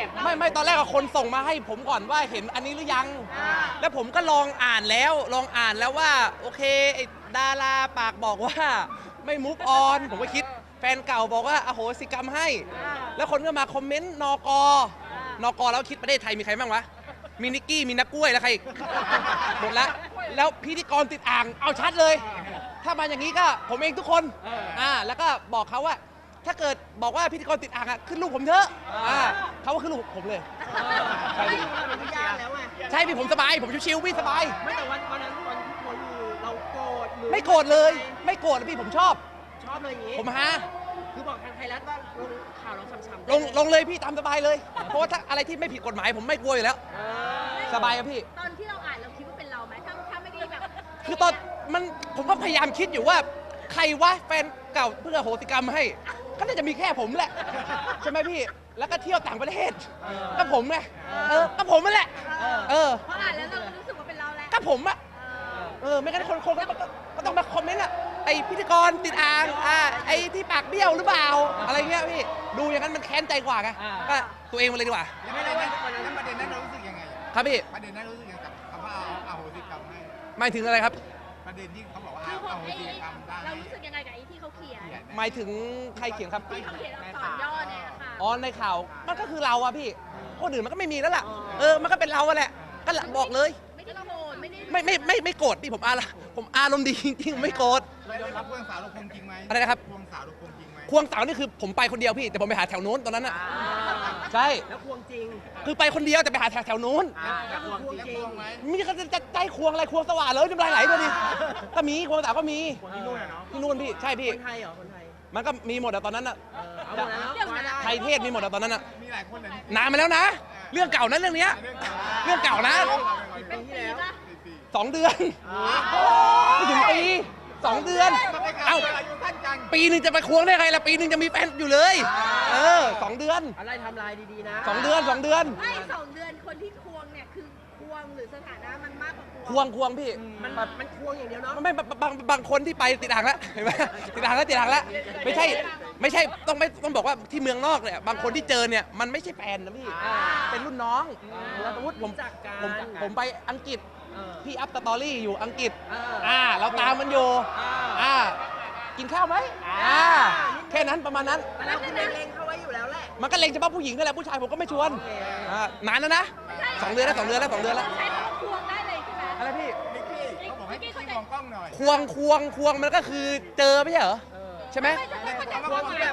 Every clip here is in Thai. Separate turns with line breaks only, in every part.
ไม่ตอนแรกคนส่งมาให้ผมก่อนว่าเห็นอันนี้หรือยังแล้วผมก็ลองอ่านแล้วว่าโอเคไอ้ดาราปากบอกว่าไม่มุกออนผมก็คิดแฟนเก่าบอกว่าอโหสิกรรมให้แล้วคนก็มาคอมเมนต์นกแล้วคิดประเทศไทยมีใครบ้างวะมีนิกกี้มีนักกล้วยแล้วใครอีกหมดแล้วพิธีกรติดอ่างเอาชัดเลยถ้ามาอย่างนี้ก็ผมเองทุกคนแล้วก็บอกเขาว่าถ้าเกิดบอกว่าพิธีกรติดอ่างขึ้นลูกผมเถอะเขาก็ขึ้นลูกผมเลยใช่พี่ใช่พี่ผมสบายผมชิวๆพี่สบาย
ไม่แต่วันนั้นวันที่คนเราโกรธหรือ
ไม่โกรธเลยไม่โกรธพี่ผมชอบ
เลยอย่างนี้
ผมฮะ
คือบอกทางไทยรัฐว่าลงข่าวเราช้ำ
ๆลงเลยพี่ตามสบายเลยเพราะว่าถ้าอะไรที่ไม่ผิดกฎหมายผมไม่กลัวอยู่แล้วสบายครับพี่
ตอนที่เราอ่านเราคิดว่าเป็นเราไหมถ้าไม่ได้แบบ
คือตอนผมก็พยายามคิดอยู่ว่าใครวะแฟนเก่าเพื่อโหสิกรรมให้ก็น่าจะมีแค่ผมแหละใช่ไหมพี่แล้วก็เที่ยวต่างประเทศก็ผมไงก็ผมนั่นแหละ
พออ่านแล้วเรารู้สึกว่าเป็นเราแหละ
ก็ผมอะไม่งั้นคนก็ต้องมาคอมเมนต์อะไอพิธีกรติดอ่างไอที่ปากเบี้ยวหรือเปล่าอะไรเงี้ยพี่ดูอย่างนั้นมันแค้นใจกว่าไงก็ตัวเองมาเลยดีกว่า
ไม่ได้แล้วประเด็นนั้นเรารู้สึกยังไง
ครับพี่
ประเด็นนั้นรู้สึกยังไงกับคำว่าเอาโหสิกรรมให้
หมายถึงอะไรครับ
ประเด็นที่เขาบอกว่าเอาโหสิกรรมได้
เรารู้สึกยังไงกับไอ้ที่เขาเขียน
หมายถึงใครเขียนครับ
ที่เขาเขียนอักษรย่อเนี่ยค่ะ
อ๋อในข่าวมันก็คือเราอะพี่คนอื่นมันก็ไม่มีแล้วล่ะมันก็เป็นเราแหละก็บอกเลย
ไม่ได้โกรธ
ไม่โกรธพี่ผมอารมณ์ดีจริงๆไม่โกรธ
รับควงสาวเราคงจริงไหม
อะไรนะครับ
ควงสาวเราคงจริงไหม
ควงสาวนี่คือผมไปคนเดียวพี่แต่ผมไปหาแถวนู้นตอนนั้นอะใช่
แล้วควงจริง
คือไปคนเดียวแต่ไปหาแถวนู้น
แล้วควงจริงไหม
มีเขาจะใจควงอะไรควงสว่านเลยน้ำลายไหลเลยดิก็มีควงสาวก็มี
ที่นู่นเนาะ
ที่นู่นพี่ใช่พี่
คนไทยเหรอคนไทย
มันก็มีหมดอะตอนนั้นอะ
เอาหมดแล้ว
ไทยเทศมีหมดอะตอนนั้นอะ
มีหลายคนเลย
นานมาแล้วนะเรื่องเก่านะเรื่องนี้เรื่องเก่านะ
เป็นปีละ
2 เดือนไม่ถึงปี2 เดือนเอ้าปีนึงจะไปควงได้ไงล่ะปีนึงจะมีแฟนอยู่เลย2 เดือน
อะไรทำลายดีๆนะ
2 เดือน
ไม่2 เดือนคนที่ควงเนี่ยคือควงหรือสถานะมันมากกว่า
ควงพี่
มันควงอย่างเดียวเนาะ
ไม่บางคนที่ไปติดอ่างแล้วเห็นไหมติดอ่างแล้วไม่ใช่ต้องบอกว่าที่เมืองนอกเนี่ยบางคนที่เจอเนี่ยมันไม่ใช่แฟนนะพี่เป็นรุ่นน้องแล้วสมมติผมไปอังกฤษพี่อัพสตอรี่อยู่อังกฤษเราตามมันอยู่กินข้าวไหมแค่นั้นประมาณนั้น
แล้วคุณเล็งเขาไว้อยู่แล้วแหละ
มันก็เล็งเฉพาะผู้หญิงนั่นแหละผู้ชายผมก็ไม่ชวนนานแล้วนะ2 เดือนแล้ว2 เดือนแล้ว
ใช้คำว่าควงได้เลยใช่ไหม
อะไรพี่
เขาบอกให้พี่มองกล้องหน่อย
ควงมันก็คือเจอไม่ใช่เหรอใช่ไหม
ควงแบบ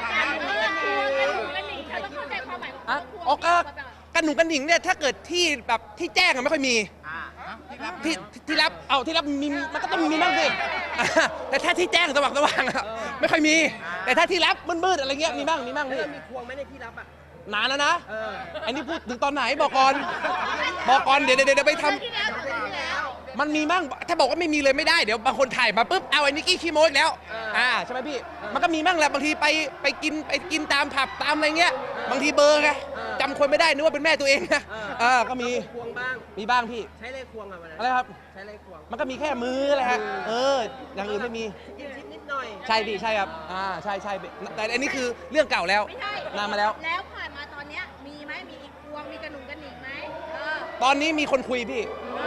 อ๋อก็กันหนุ่มกันหญิงเนี่ยถ้าเกิดที่แบบที่แจ้งไม่ค่อยมีที่รับมีมันก็ต้องมีบ้างสิแต่ถ้าที่แจ้งสว่างไม่ค่อยมีแต่ถ้าที่รับมืดๆอะไรเงี้ยมีบ้างพี่
มีควงไหมในที่รับอ่ะ
นานแล้วนะอันนี้พูดถึงตอนไหนบอกก่อนเดี๋ยวไปทำมันมีบ้างถ้าบอกว่าไม่มีเลยไม่ได้เดี๋ยวบางคนถ่ายมาปุ๊บเอาไอ้นิกกี้ขี้โม้อีกแล้วใช่ไหมพี่มันก็มีบ้างแหละบางทีไปกินตามผับตามอะไรเงี้ยบางทีเบอร์ไงจำคนไม่ได้นึกว่าเป็นแม่ตัวเองนะก็มี
ควงบ้าง
มีบ้างพี่
ใช้เลขควง
อะไรครับ
ใช้เลขควง
มันก็มีแค่มือแหละฮะอย่างอื่นไม่มี
นิดหน่อย
ใช่พี่ใช่ครับใช่แต่อันนี้คือเรื่องเก่าแล้วนานมาแล้ว
ผ่านมาตอนเนี้ยมีไหมมีอีกควงมีกระหนุ่มกระหนิงไหม
ตอนนี้มีคนคุยพี่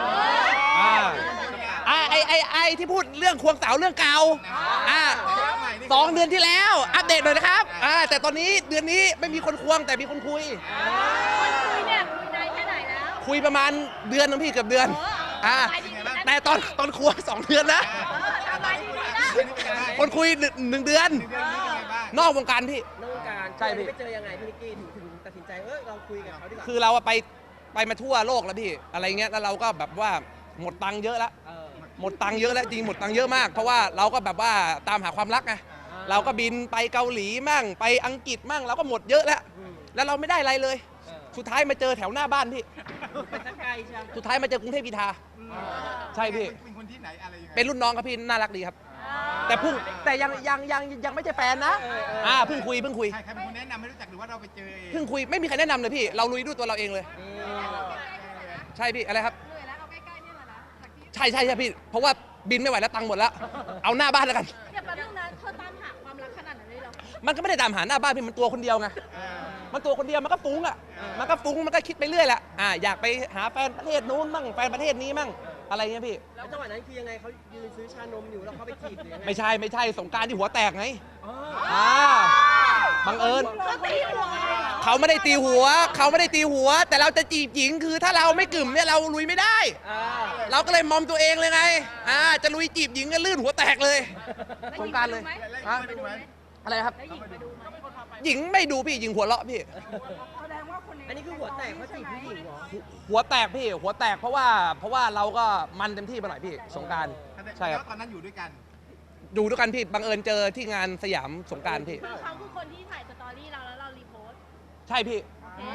ไอที่พูดเรื่องควงสาวเรื่องเก่า2 เดือนที่แล้วอัปเดตหน่อยนะครับแต่ตอนนี้เดือนนี้ไม่มีคนควงแต่มีคนคุย
เนี่ยคุยนานแค่ไหนแล้ว
คุยประมาณเดือนนึงพี่เกือบเดือนแต่ตอนควง2 เดือนนะคนคุย1 เดือนนอกวงการพี่
นอกวงการ
ใช่พี่
ไปเจอยังไงพี่นิกกี้ถึงตัดสินใจเราคุยกับเขาดีกว่า
คือเราไปมาทั่วโลกแล้วพี่อะไรเงี้ยแล้วเราก็แบบว่าหมดตังค์เยอะแล้วหมดตังค์เยอะแล้วจริงหมดตังค์เยอะมากเพราะว่าเราก็แบบว่าตามหาความรักไงเราก็บินไปเกาหลีมั่งไปอังกฤษมั่งเราก็หมดเยอะแล้วเราไม่ได้อะไรเลยสุดท้ายมาเจอแถวหน้าบ้านพี่สุดท้ายมาเจอกรุงเทพกีฬาใช่พี่
เป็นคนที่ไหนอะไรยังไง
เป็นรุ่นน้องครับพี่น่ารักดีครับแต่ยังไม่ใช่แฟนนะเพิ่งคุย
ใครเป็นคนแนะนำให้รู้จักหรือว่าเราไปเจอเอง
เพิ่งคุยไม่มีใครแนะนำเลยพี่เราลุยด้วยตัวเราเองเลยใช่พี่อะไรครับใช่พี่เพราะว่าบินไม่ไหวแล้วตังค์หมดแล้วเอาหน้าบ้านแล้วกัน
อย่าไปเรื่องนั้นเธอตามหาความรักขนาดนั้นเลยหรอ
มันก็ไม่ได้ตามหาหน้าบ้านพี่มันตัวคนเดียวไงมันตัวคนเดียวมันก็ฟุ้งอ่ะมันก็ฟุ้งมันก็คิดไปเรื่อยแหละอยากไปหาแฟนประเทศนู้นมั่งแฟนประเทศนี้มั่งอะไรเงี้ยพี่
แล้วจังหวะนั้นคือยังไงเขายืนซื้อชานมอยู่แล้วเขาไปจีบหรือยังไง
ไม่ใช่สงกรานต์ที่หัวแตกไง
อ๋อ
บังเอิญ
เขาตีหัว
เขาไม่ได้ตีหัว แต่เราจะจีบหญิงคือถ้าเราไม่กึ่มเนี่ยเราลุยไม่ได้ เราก็เลยมอมตัวเองเลยไงจะลุยจีบหญิงก็ลื่นหัวแตกเลยสงกรานต์เลย
แล้วไปดูไหม
อะไรครับ
แล้วหญิงไปดูไหม
หญิงไม่ดูพี่หญิงหัวเราะพี่
แสดงว่าคน
อันนี้คือหัวแตกเพราะจีบผู้หญิงเหรอ
หัวแตกพี่หัวแตกเพราะว่าเราก็มันเต็มที่ไปหน่อยพี่สงกรารใช่ครับ
แล้วตอนนั้นอยู่ด้วยกัน
ดูด้วยกันพี่บังเอิญเจอที่งานสยามสงกรารพี่
คือเขาคือคนที่ถ่ายสตอรี่เราแล้วเรารีโพสต์
ใช่พี่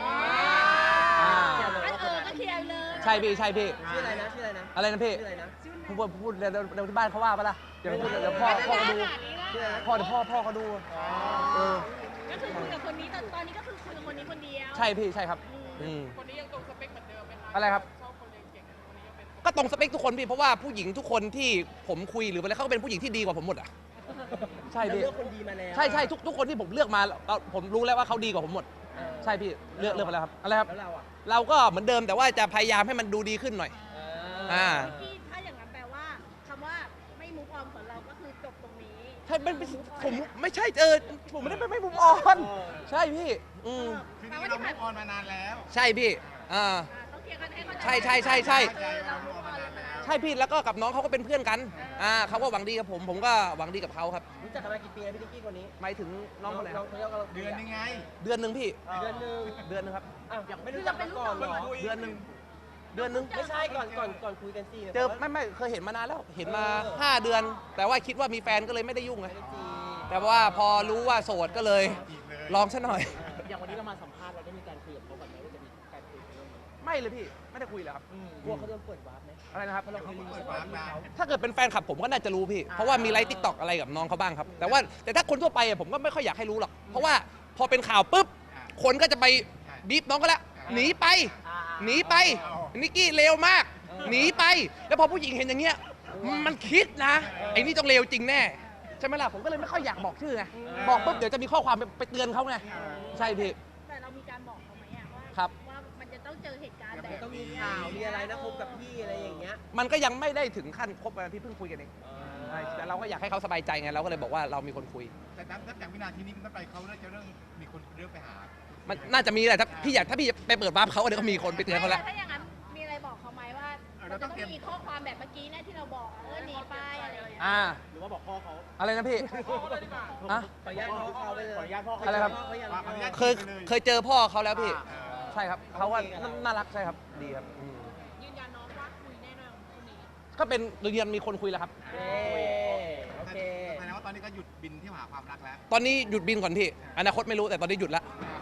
ก็เคลียร์เลย
ใช่พี่
ชื่ออะไรนะชื่ออะไรนะ
อะไรนะพี่
ชื่ออะไรนะ
พูดเดี๋ยวที่บ้านเขาว่าปะล่ะเดี๋ยวพูดเดี๋ยวพ่อเขาดู
ชื่ออะไรนะ
พ่อเขาดูเออ
ก็คือคุยกับคนนี้แต่ตอนนี้ก็คือคุยกับคนนี้คนเดียว
ใช่พี่ใช่ครับคนนี้ยังตรงสเปคเหมือนเดิมไหมครับอะไรครับก็ตรงสเปคทุกคนพี่เพราะว่าผู้หญิงทุกคนที่ผมคุยหรืออะไรเขาก็เป็นผู้หญิงที่ดีกว่าผมหมดอ่ะใช่
เรา
พี่
เลือกคนดีมาแล้ว
ใช่ทุกคนที่ผมเลือกมาผมรู้แล้วว่าเขาดีกว่าผมหมด ใช่พี่เลือกมาแล้วครับอะไรครับ
แล้วเราอ่ะ
เราก็เหมือนเดิมแต่ว่าจะพยายามให้มันดูดีขึ้นหน่อย
ที่ถ้าอย่างนั้นแปลว่าคำว่าไม่มูฟออนของเราก็คือจบตรงนี้
ใช่ผมไม่ใช่ผมไม่ได้ไม่มุมออน ใช่พี่
คือจริงๆเรามุกออนมานานแล้ว
ใช่พี่
ต้องเคลียร์กันให้เข้าใจ
ใช่
เรามูฟออนเลยนะ
ใช่พี่แล้วก็กับน้องเขาก็เป็นเพื่อนกันเขาก็หวังดีกับผมก็หวังดีกับเขาครับ
รู้จักกันมากี่ปีแล้วพี่นิกกี้คนนี้
หมายถึงน้องคนไหนครับ
เขาเรียกว่า
เดือนนึงไง
เดือนหนึ่งพี่
เดือนหนึง
เดือนหนึงครับ
อ้าวไม่รู้จักมาก่อนเหรอ
เดือนหนึ่ง
ไม่ใช่ก่อนคุยกันสิ
เจอไม่เคยเห็นมานานแล้วเห็นมา 5 เดือน แต่ว่าคิดว่ามีแฟนก็เลยไม่ได้ยุ่งไง
ไม่ได้จีบ
แต่ว่าพอรู้ว่าโสดก็เลย
จีบเลย
ลองซะหน่อย
อย่างวันนี้เรามาสัมภาษณ์เราได้มีการคุยกับเขาก่อนไหมว่าจะมีการคุยเรื่องนี้
ไม่เลยพี่ไม่ได้คุยเลยครับ
กลัวเขาโดนเปิดวาร์ปไหม
อะไรนะครับ
เพราะเราเคยรีวิวสตอรี่เขา
ถ้าเกิดเป็นแฟนคลับผมก็น่าจะรู้พี่ เพราะว่ามีไลฟ์ทิกตอกอะไรกับน้องเขาบ้างครับ แต่ถ้าคนทั่วไปอะผมก็ไม่ค่อยอยากให้รู้หรอก เพราะว่าพอเป็นข่าวปุ๊บ คนก็จะไปบีบน้องก็แล้วหนีไปนิกกี้เลวมาก หนีไป แล้วพอผู้หญิงเห็นอย่างเงี้ยมันคิดนะไอ้นี่ต้องเลวจริงแน่ใช่ไหมล่ะผมก็เลยไม่ค่อยอยากบอกชื่อไงบอกปุ๊บเดี๋ยวจะมีข้อความไปเตือนเขาไงใช่พี่
แต่เรามีการบอกเขาไหมอะว่า
ครับ
ว่ามันจะต้องเจอเหตุการณ์แบบ
ต้องมีข่าวมีอะไรนะคบกับพี่อะไรอย่างเงี้ย
มันก็ยังไม่ได้ถึงขั้นคบกันพี่เพิ่งคุยกันเองใช่แต่เราก็อยากให้เขาสบายใจไงเราก็เลยบอกว่าเรามีคนคุย
แต่นับจากวินาทีนี้เป็นต้นไปเขาเริ่มมีคนเริ่มไปหา
มันน่าจะมีแหละถ้าพี่ไปเปิดวาร์ปเขาเดี๋ยวก็มีคนไปเตือนเขาแล้ว
ถ้าอย่างนั้นมีอะไรบอกเขาไหมว่ามันจะต้องมีข้อความแบบเมื่อกี้นะที่เราบอกหนีไปอะไรอย่างเงี้ย
หรือว่าบอกพ่อเขา
อะไรนะพี่อะ
ขออนุญาตพ่อเขาไปเลยขออนุญาตพ่อเขา
อะไรครับ
เขาอยาก
ขออนุญาต
เคยเจอพ่อเขาแล้วพี่
อ่า
ใช่ครับเขาว่าน่ารักใช่ครับดีครับ
ยืนยันน้องว่าคุยแน่นอนคนนี้
ก็เป็นเรียนมีคนคุยแล้วครับ
โอเค
แสดงว่าตอนนี้ก็หยุดบินที่หาความรักแล้ว
ตอนนี้หยุดบินก่อนพี่อนาคตไม่รู้แต่ตอนนี้หยุดแล้ว
อ